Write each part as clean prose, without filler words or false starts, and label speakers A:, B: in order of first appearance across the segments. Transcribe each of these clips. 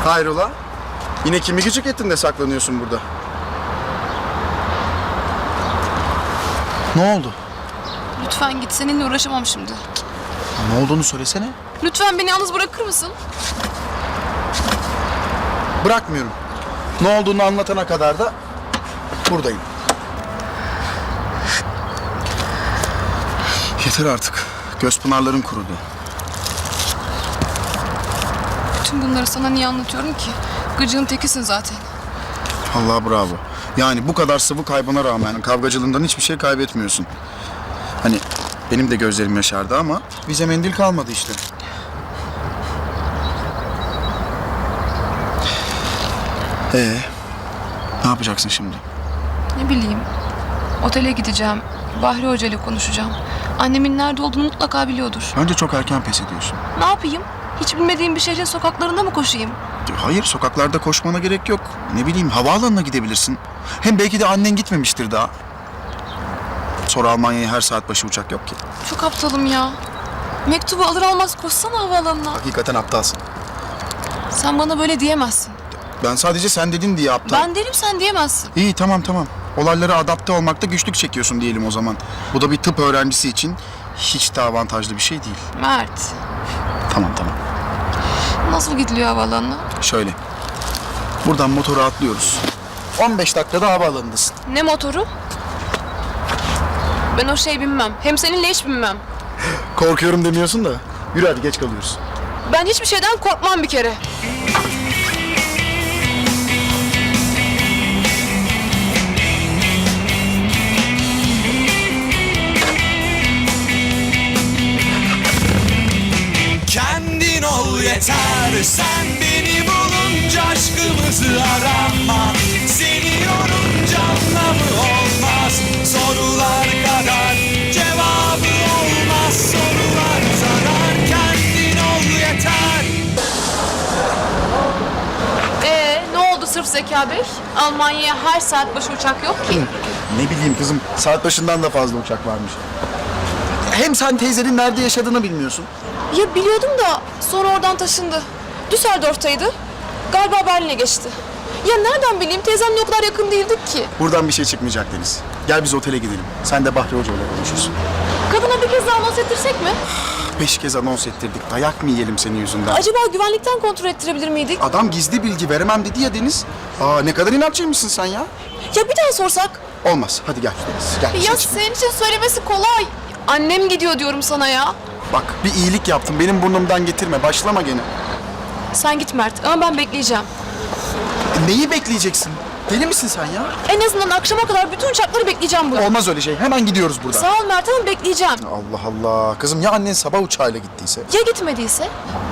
A: Hayrola? Yine kimi gıcık ettin de saklanıyorsun burada? Ne oldu?
B: Lütfen git, seninle uğraşamam şimdi.
A: Ne olduğunu söylesene.
B: Lütfen beni yalnız bırakır mısın?
A: Bırakmıyorum. Ne olduğunu anlatana kadar da buradayım. Yeter artık. Göz pınarların kurudu.
B: Bütün bunları sana niye anlatıyorum ki? Gıcığın tekisin zaten.
A: Allah bravo. Yani bu kadar sıvı kaybına rağmen kavgacılığından hiçbir şey kaybetmiyorsun. Hani benim de gözlerim yaşardı ama bize mendil kalmadı işte. Ne yapacaksın şimdi?
B: Ne bileyim. Otele gideceğim. Bahri Hoca ile konuşacağım. Annemin nerede olduğunu mutlaka biliyordur.
A: Bence çok erken pes ediyorsun.
B: Ne yapayım? Hiç bilmediğim bir şehrin sokaklarında mı koşayım?
A: Hayır, sokaklarda koşmana gerek yok. Ne bileyim, havaalanına gidebilirsin. Hem belki de annen gitmemiştir daha. Sonra Almanya'ya her saat başı uçak yok ki.
B: Çok aptalım ya. Mektubu alır almaz koşsana havaalanına.
A: Hakikaten aptalsın.
B: Sen bana böyle diyemezsin.
A: Ben sadece sen dedin diye aptal.
B: Ben derim, sen diyemezsin.
A: İyi, tamam. Olaylara adapte olmakta güçlük çekiyorsun diyelim o zaman. Bu da bir tıp öğrencisi için hiç de avantajlı bir şey değil.
B: Mert.
A: Tamam.
B: Nasıl gidiliyor havaalanına?
A: Şöyle. Buradan motora atlıyoruz. 15 dakikada havaalanındasın.
B: Ne motoru? Ben o şey binmem. Hem seninle hiç binmem.
A: Korkuyorum demiyorsun da. Yürü hadi, geç kalıyoruz.
B: Ben hiçbir şeyden korkmam bir kere.
C: Kendin ol yeter, sen beni bulunca aşkımızı arama. Seni yorunca anlamı olmaz, sorular kadar cevabı olmaz. Sorular zarar, kendin ol yeter.
B: Ne oldu sırf Zeka Bey? Almanya'ya her saat başı uçak yok ki.
A: Ne bileyim kızım, saat başından da fazla uçak varmış. Hem sen teyzenin nerede yaşadığını bilmiyorsun.
B: Ya biliyordum da sonra oradan taşındı. Düsseldorf'taydı. Galiba Berlin'e geçti. Ya nereden bileyim, teyzemle o kadar yakın değildik ki.
A: Buradan bir şey çıkmayacak Deniz. Gel biz otele gidelim. Sen de Bahri Hoca ile konuşursun.
B: Kadına bir kez daha anons ettirsek mi?
A: 5 kez anons ettirdik. Dayak mı yiyelim senin yüzünden?
B: Acaba güvenlikten kontrol ettirebilir miydik?
A: Adam gizli bilgi veremem dedi ya Deniz. Ne kadar inatçıymışsın sen ya.
B: Ya bir daha sorsak?
A: Olmaz. Hadi gel Deniz. Gel.
B: Ya
A: Seç.
B: senin için söylemesi kolay. Annem gidiyor diyorum sana ya.
A: Bak, bir iyilik yaptım. Benim burnumdan getirme. Başlama gene.
B: Sen git Mert ama ben bekleyeceğim.
A: Neyi bekleyeceksin? Deli misin sen ya?
B: En azından akşama kadar bütün uçakları bekleyeceğim burada.
A: Olmaz öyle şey. Hemen gidiyoruz buradan.
B: Sağ ol Mert ama bekleyeceğim.
A: Allah Allah. Kızım, ya annen sabah uçağıyla gittiyse?
B: Ya gitmediyse?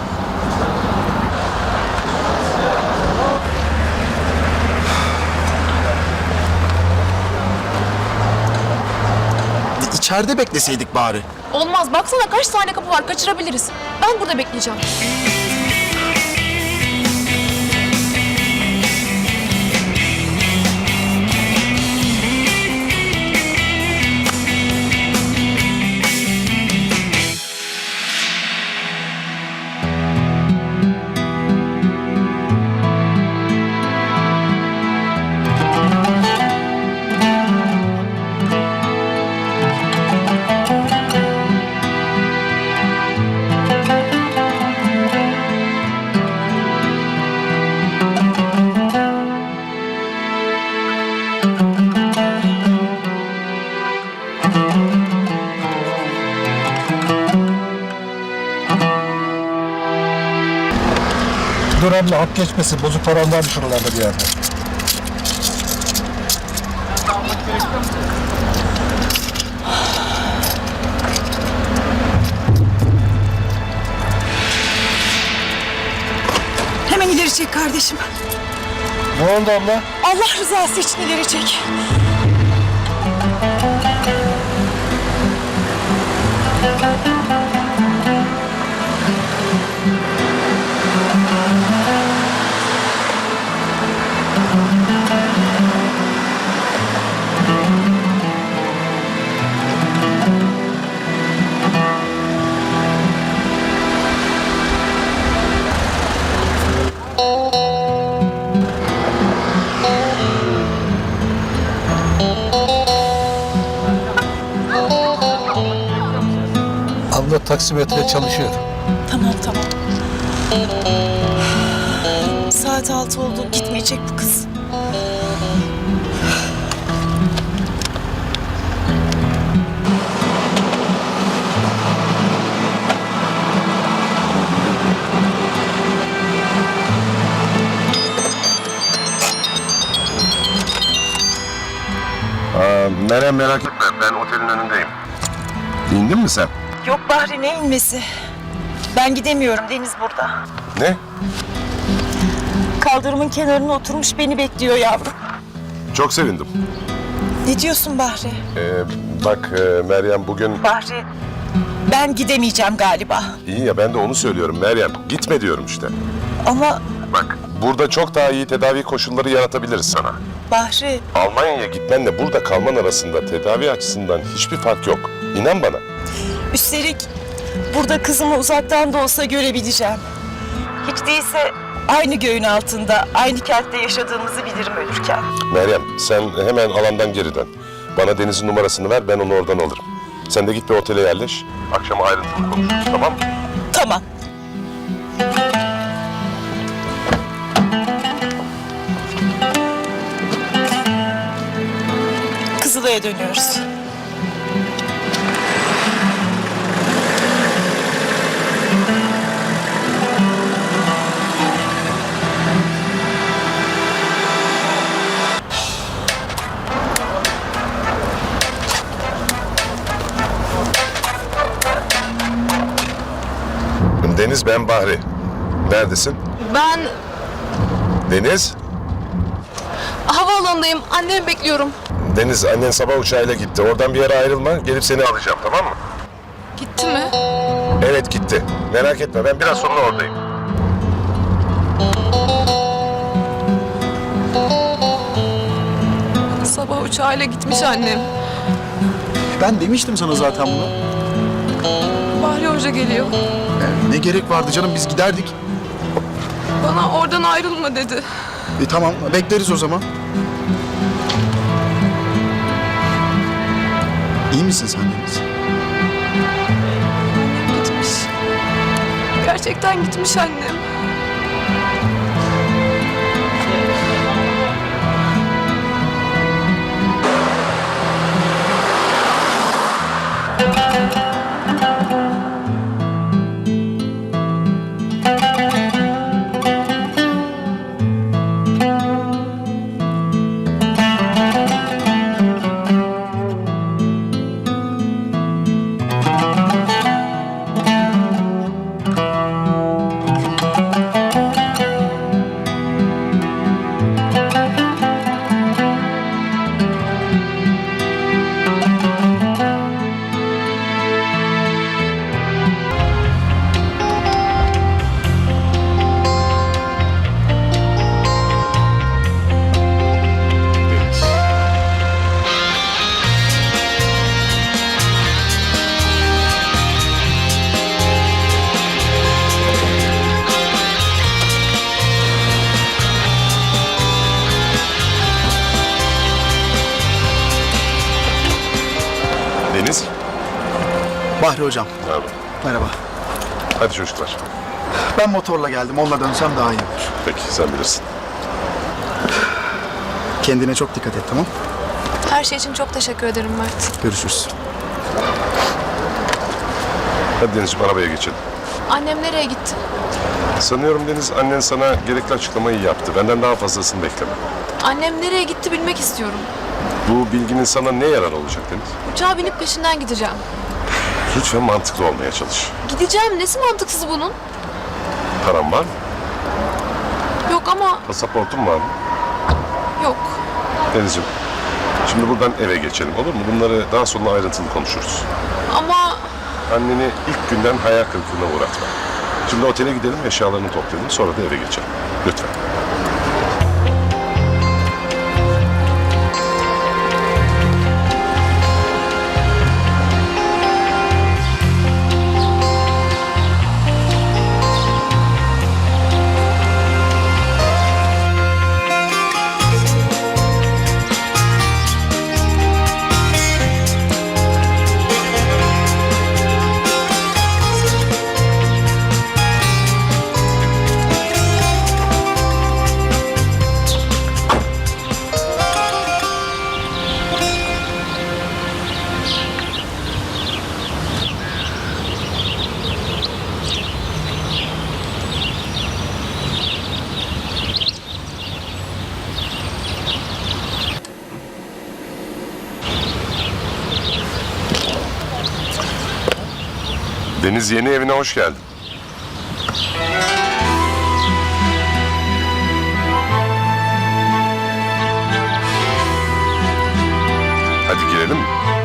A: İçeride bekleseydik bari.
B: Olmaz, baksana kaç tane kapı var, kaçırabiliriz. Ben burada bekleyeceğim.
D: Dur abla, hap geçmesin. Bozuk param var şuralarda bir yerde.
E: Hemen ileri çek kardeşim.
D: Ne oldu abla?
E: Allah rızası için ileri çek.
D: anda taksimetre çalışıyor.
E: Tamam. Saat 6 oldu. Gitmeyecek bu kız.
F: Meryem merak etme, ben otelin önündeyim. İndin mi sen?
E: Yok Bahri, ne inmesi? Ben gidemiyorum. Deniz burada.
F: Ne?
E: Kaldırımın kenarına oturmuş beni bekliyor yavrum.
F: Çok sevindim.
E: Ne diyorsun Bahri?
F: Bak Meryem bugün...
E: Bahri, ben gidemeyeceğim galiba.
F: İyi ya, ben de onu söylüyorum Meryem. Gitme diyorum işte.
E: Ama
F: Bak, burada çok daha iyi tedavi koşulları yaratabiliriz sana.
E: Bahri,
F: Almanya'ya gitmenle burada kalman arasında tedavi açısından hiçbir fark yok. İnan bana.
E: üstelik burada kızımı uzaktan da olsa görebileceğim. Hiç değilse aynı göğün altında, aynı kentte yaşadığımızı bilirim ölürken.
F: Meryem, sen hemen alandan geri dön. Bana Deniz'in numarasını ver, ben onu oradan alırım. Sen de git bir otele yerleş. Akşam ayrıntılı konuşuruz, tamam mı?
E: Tamam. Kızılay'a dönüyoruz.
F: Deniz, ben Bahri. Neredesin?
B: Ben
F: Deniz?
B: havaalanındayım. Annemi bekliyorum.
F: Deniz, annen sabah uçağıyla gitti. Oradan bir yere ayrılma, gelip seni alacağım, tamam mı?
B: Gitti mi?
F: Evet, gitti. Merak etme, ben biraz sonra oradayım.
B: Sabah uçağıyla gitmiş annem.
A: Ben demiştim sana zaten bunu.
B: Bahri Hoca geliyor.
A: Ne gerek vardı canım, biz giderdik.
B: Bana oradan ayrılma dedi.
A: Tamam, bekleriz o zaman. İyi misin sen Deniz?
B: Annem gitmiş. Gerçekten gitmiş annem.
F: Deniz?
A: Bahri hocam,
F: Merhaba.
A: merhaba.
F: Hadi çocuklar.
A: Ben motorla geldim, onunla dönsem daha iyi olur.
F: Peki, sen bilirsin.
A: Kendine çok dikkat et, tamam?
B: Her şey için çok teşekkür ederim Mert.
A: Görüşürüz.
F: Hadi Denizciğim, arabaya geçelim.
B: Annem nereye gitti?
F: Sanıyorum Deniz, annen sana gerekli açıklamayı yaptı. Benden daha fazlasını bekleme.
B: Annem nereye gitti bilmek istiyorum.
F: Bu bilginin sana ne yarar olacak Deniz?
B: Uçağa binip peşinden gideceğim.
F: Lütfen mantıklı olmaya çalış.
B: Gideceğim. Nesi mantıksız bunun?
F: Paran var mı?
B: Yok ama
F: Pasaportun var mı?
B: yok.
F: Denizciğim, şimdi buradan eve geçelim, olur mu? Bunları daha sonra ayrıntılı konuşuruz.
B: Ama
F: Anneni ilk günden hayal kırıklığına uğratma. Şimdi otele gidelim, eşyalarını toplayalım, sonra da eve geçelim. Lütfen. Deniz, yeni evine hoş geldin. Hadi girelim mi?